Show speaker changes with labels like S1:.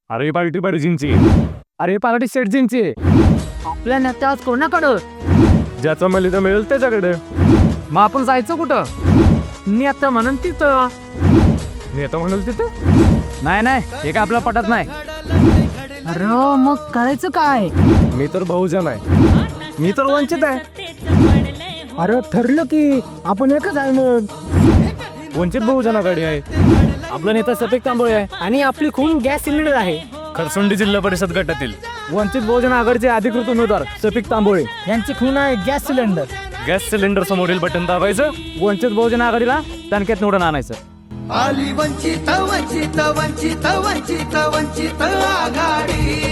S1: अरे पार्टी पाहिजेची.
S2: अरे पार्टी सेटजींची.
S3: आपल्या नेत्या आज कोणाकडं?
S1: ज्याचं मला तर मिळेल त्याच्याकडे.
S2: मग आपण जायचं कुठं?
S3: नेता म्हणून तिथं.
S1: नेता म्हणाल तिथे.
S2: नाही हे काय आपल्या पटत नाही.
S3: अरे मग करायचं काय?
S1: मी तर बहुजन आहे.
S2: मी तर वंचित आहे.
S3: अरे ठरलं की आपण एकच आहे मग.
S1: वंचित बहुजनाकडे आहे.
S2: आपला नेता सफेद तांबोळे आहे.
S3: आणि आपली खून गॅस सिलेंडर आहे.
S1: खरसुंडी जिल्हा परिषद गटातील
S2: वंचित बहुजन आघाडीचे अधिकृत उमेदवार सफिक तांबोळे.
S3: यांची खून आहे गॅस सिलेंडर.
S1: गॅस सिलेंडर समोरील बटन दाबायचं.
S2: वंचित बहुजन आघाडीला टणक्यात निवडून आणायचं.
S4: आली वंचित वंचित वंचित वंचित वंचित आघाडी.